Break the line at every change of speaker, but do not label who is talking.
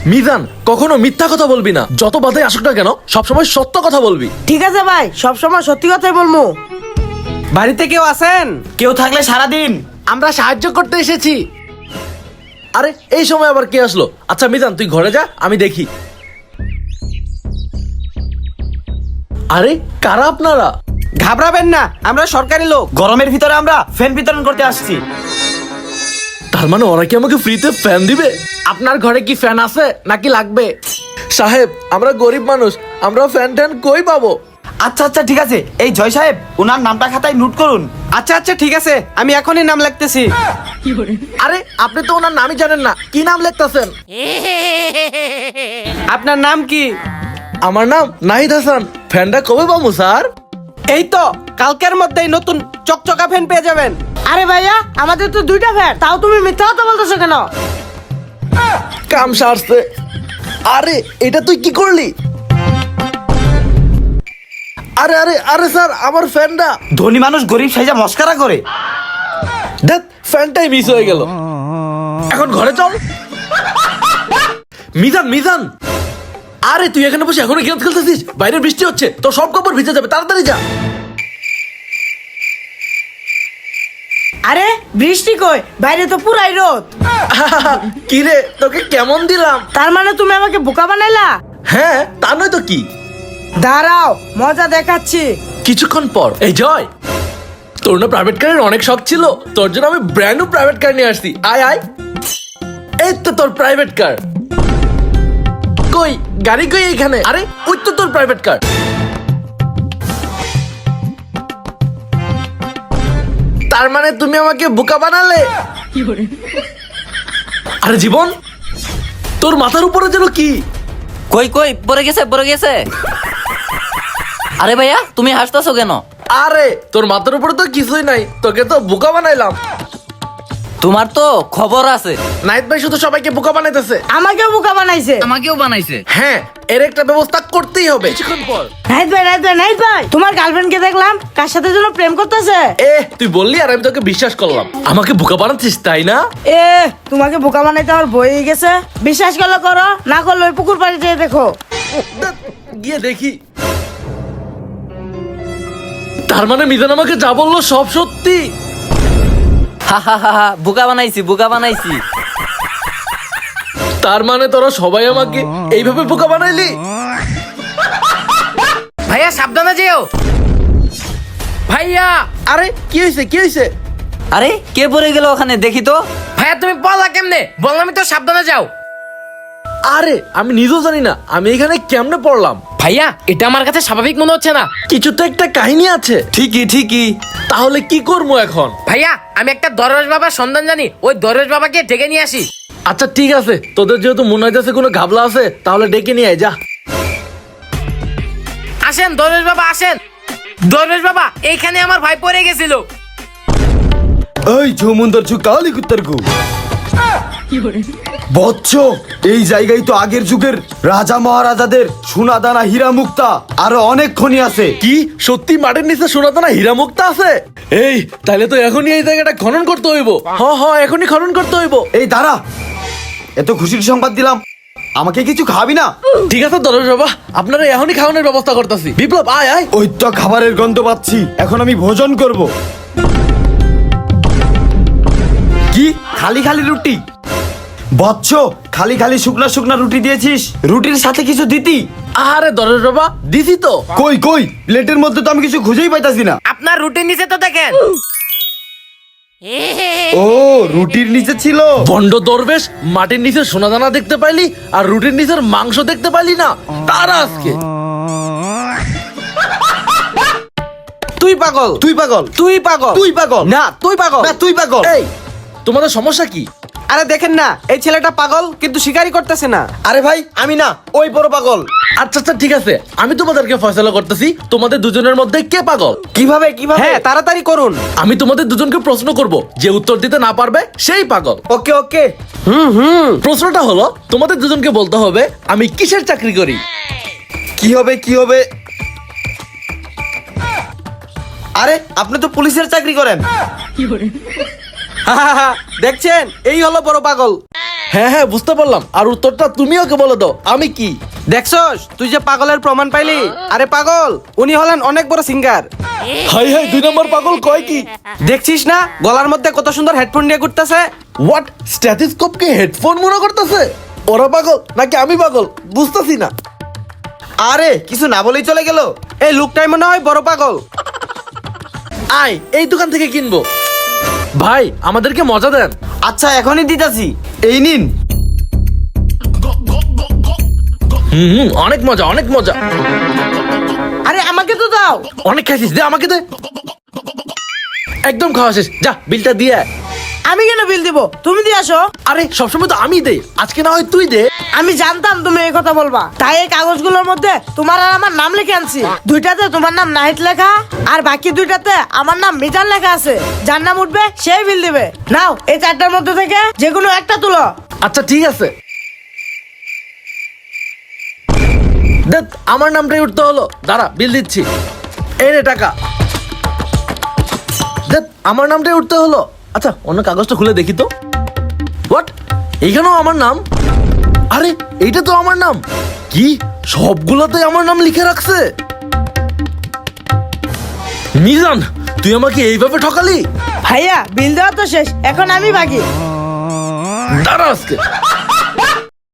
মিজান, কখনো মিথ্যা কথা বলবি না। যত বাধাই আসুক না কেন সবসময় সত্য কথা বলবি।
ঠিক আছে ভাই, সবসময় সত্যি কথাই বলবো।
বাড়িতে কেউ আছেন?
কেউ থাকলে সারাদিন
আমরা সাহায্য করতে এসেছি। আরে এই সময় আবার কে আসলো? আচ্ছা মিজান, তুই ঘরে যা, আমি দেখি। আরে কারা আপনারা?
ঘাবড়াবেন না, আমরা সরকারি লোক।
গরমের ভিতরে আমরা ফ্যান বিতরণ করতে আসছি।
তার মানে ওরা কি আমাকে ফ্রিতে ফ্যান দিবে? আপনার ঘরে কি ফ্যান আছে নাকি লাগবে? সাহেব, আমরা গরিব মানুষ, আমরা ফ্যান ট্যান কই পাবো?
আচ্ছা আচ্ছা ঠিক আছে, এই জয় সাহেব ওনার নামটা খাতায় নোট করুন।
আচ্ছা আচ্ছা ঠিক আছে, আমি এখনই নাম লিখতেছি।
আরে আপনি তো ওনার নামই জানেন না, কি নাম লিখতেছেন?
আপনার নাম কি?
আমার নাম নাহিদ হাসান। ফ্যানটা কবে পাবো স্যার?
এই তো কালকের মধ্যেই নতুন চকচকা ফ্যান পেয়ে যাবেন।
আরে ভাইয়া, আমাদের তো দুইটা ফ্যান, তাও তুমি মিথ্যা কথা বলতেছো কেন?
কাম সারছে। আরে এটা তুই কি করলি? আরে আরে আরে স্যার, আমার ফ্যানটা।
ধনী মানুষ গরিব সাইজা মস্কারা করে।
দেখ, ফ্যানটাই মিস হয়ে গেল। এখন ঘরে চল। মিজান মিজান, আরে তুই এখানে বসে এখনো গেম খেলতেছিস? বাইরে বৃষ্টি হচ্ছে, তোর সব কাপড় ভিজে যাবে, তাড়াতাড়ি যা।
আরে বৃষ্টি কই? বাইরে তো পুরাই রোদ।
কি রে, তোকে কেমন দিলাম?
তার মানে তুমি আমাকে বোকা বানাইলা?
হ্যাঁ, তা নয় তো কি।
দাঁড়াও, মজা দেখাচ্ছি।
কিছুক্ষণ পর, এই জয়, তোর না প্রাইভেট কারের অনেক শখ ছিল, তোর জন্য আমি ব্র্যান্ড নিউ প্রাইভেট কার নিয়ে আসছি। আয় আয়, এই তো তোর প্রাইভেট কার। কই গাড়ি কই? এইখানে। আরে ওই তো তোর প্রাইভেট কার। তার মানে তুমি আমাকে বোকা বানালে? আরে জীবন, তোর মাথার উপরে যেন কি?
কই কই পড়ে গেছে পড়ে গেছে। আরে ভাইয়া তুমি হাসতেছো কেন?
আরে তোর মাথার উপরে তো কিছুই নাই, তোকে তো বোকা বানাইলাম।
তোমার তো খবর আছে।
নাইট ভাই শুধু সবাইকে বোকা বানাইতেছে।
আমাকেও বোকা বানাইছে।
আমাকেও বানাইছে।
হ্যাঁ, এর একটা ব্যবস্থা করতেই হবে। কিছুক্ষণ পর,
নাইট ভাই, নাইট ভাই, নাইট ভাই, তোমার গার্লফ্রেন্ডকে দেখলাম কার সাথে যেন প্রেম করতেছে।
তুই বললি আর আমি তোকে বিশ্বাস করলাম। আমাকে বোকা বানাচ্ছিস তাই না?
তোমাকে বোকা বানাইতে আমার বই গেছে। বিশ্বাস করলে করো, না করলে ওই পুকুর পাড়ে যেয়ে দেখো।
গিয়ে দেখি। তার মানে মিজান আমাকে যা বললো সব সত্যি।
হা হা হা হা, বোকা বানাইছি বোকা বানাইছি।
তার মানে তোরা সবাই আমাকে এইভাবে বোকা বানাইলি?
ভাইয়া সাবধানে যেও। ভাইয়া,
আরে কি হয়েছে, কি হয়েছে?
আরে কে পড়ে গেল ওখানে দেখি তো।
ভাইয়া তুমি পড়লা কেমনে? বললামই তো সাবধানে যাও।
আরে আমি নিজেও জানি না আমি এখানে কেমনে পড়লাম।
ভাইয়া এটা আমার কাছে স্বাভাবিক মনে হচ্ছে না।
কিছু তো একটা কাহিনী আছে।
ঠিকই ঠিকই।
তাহলে কি করবো এখন?
ভাইয়া আমি একটা দরবেশ বাবার সন্ধান জানি, ওই দরবেশ বাবাকে ডেকে নিয়ে আসি।
আচ্ছা ঠিক আছে, তোদের যেহেতু মনে হইতেছে কোনো ঘাবলা আছে, তাহলে ডেকে নিয়ে আয়, যা।
আসেন দরবেশ বাবা আসেন। দরবেশ বাবা, এইখানে আমার ভাই পড়ে গেছিল।
এই ঝুমুন্দর ছু কালি কুত্তার গু বচ্চ, এই জায়গায় তো আগের যুগের রাজা মহারাজাদের সোনা দানা হীরা মুক্তা আরো অনেক খনি আছে।
কি সত্যি মাটির নিচে সোনাদানা হীরা মুক্তা আছে? এই তাহলে তো এখনই এই জায়গাটা খনন করতে হইব। এখনই খনন করতে হইব।
এই দাঁড়া, এত খুশির সংবাদ দিলাম, আমাকে কিছু খাবি না?
ঠিক আছে দরবেশ বাবা, আপনারা এখনই খাওয়ানোর ব্যবস্থা করতেছি। বিপ্লব আয় আয়।
ওই তো খাবারের গন্ধ পাচ্ছি, এখন আমি ভোজন করব। কি খালি খালি রুটি? বচ্চ, খালি খালি শুকনা শুকনা রুটি দিয়েছিস, রুটির সাথে কিছু দিতি?
আরে দরবেশ বাবা, দিছি তো।
কই কই, প্লেটের মধ্যে তো আমি কিছু খুঁজেই পাইতাছি না।
আপনার রুটিন নিচে তো দেখেন।
ও, রুটির নিচে ছিল।
বন্ড দরবেশ, মাটির নিচে সোনাদানা দেখতে পাইলি আর রুটির নিচের মাংস দেখতে পাইলি না? তারা আজকে
তুই পাগল,
তুই পাগল,
তুই পাগল,
তুই পাগল,
না তুই পাগল,
না তুই পাগল।
এই তোমাদের সমস্যা কি?
আরে দেখেন না, এই ছেলেটা পাগল কিন্তু স্বীকারই করতেছে না।
আরে ভাই আমি না, ওই বড় পাগল।
আচ্ছা আচ্ছা ঠিক আছে, আমি তোমাদেরকে ফয়সালা করতেছি, তোমাদের দুজনের মধ্যে কে পাগল।
কিভাবে কিভাবে?
হ্যাঁ তাড়াতাড়ি করুন।
আমি তোমাদের দুজনকে প্রশ্ন করব, যে উত্তর দিতে না পারবে সেই পাগল।
ওকে ওকে।
প্রশ্নটা হলো, তোমাদের দুজনকে বলতে হবে আমি কিসের চাকরি করি।
কি হবে কি হবে? আরে আপনি তো পুলিশের চাকরি করেন।
দেখছেন, এই হলো বড় পাগল।
হ্যাঁ হ্যাঁ বুঝতে পারলাম, আর উত্তরটা তুমি ওকে বলে দাও আমি কি।
দেখছস তুই যে পাগলের প্রমাণ পাইলি? আরে পাগল, উনি হলেন অনেক বড় সিঙ্গার।
হাই হাই 2 নম্বর পাগল কয় কি?
দেখছিস না গলার মধ্যে কত সুন্দর হেডফোন দিয়ে ঘুরতেছে?
হোয়াট, স্ট্যাথোস্কোপকে হেডফোন মনে করতেছে? ওরা পাগল নাকি আমি পাগল বুঝতেছি না।
আরে কিছু না বলেই চলে গেল।
এই লোকটাই মনে হয় বড় পাগল।
আয় এই দোকান থেকে কিনবো। ভাই আমাদেরকে মজা দেন।
আচ্ছা এখনই দিতাছি, এই নিন।
অনেক মজা অনেক মজা।
আরে আমাকে তো দাও।
অনেক খাইছিস, দে আমাকে দে। একদম খাওয়া শেষ, যা বিলটা দিয়ে আয়।
আমি কেন বিল দিব? তুমি দিয়ে আসো।
আরে সবসময় তো আমি দে, আজকে না হয় তুই দে।
আমি জানতাম তুমি এই কথা বলবা, তাই এই কাগজগুলোর মধ্যে তোমার আর আমার নাম লিখে আনছি। দুইটাতে তোমার নাম নাহিদ লেখা, আর বাকি দুইটাতে আমার নাম মিজান লেখা আছে। যার নাম উঠবে সেই বিল দিবে। নাও এই 4টার মধ্যে থেকে যে কোনো একটা তুলো।
আচ্ছা ঠিক আছে। দেখ আমার নামটাই উঠতে হলো, দাঁড়া বিল দিচ্ছি। এই রে টাকা। দেখ আমার নামটাই উঠতে হলো। আচ্ছা অন্য কাগজটা খুলে দেখি তো। হোয়াট, এইখানেও আমার নাম? আরে এইটা তো আমার নাম। কি সবগুলোতে আমার নাম লিখে রাখছে? মিজান তুই আমাকে এইভাবে ঠকালি?
ভাইয়া বিল দেওয়া তো শেষ, এখন আমি বাকি।
দাঁড়া আজকে।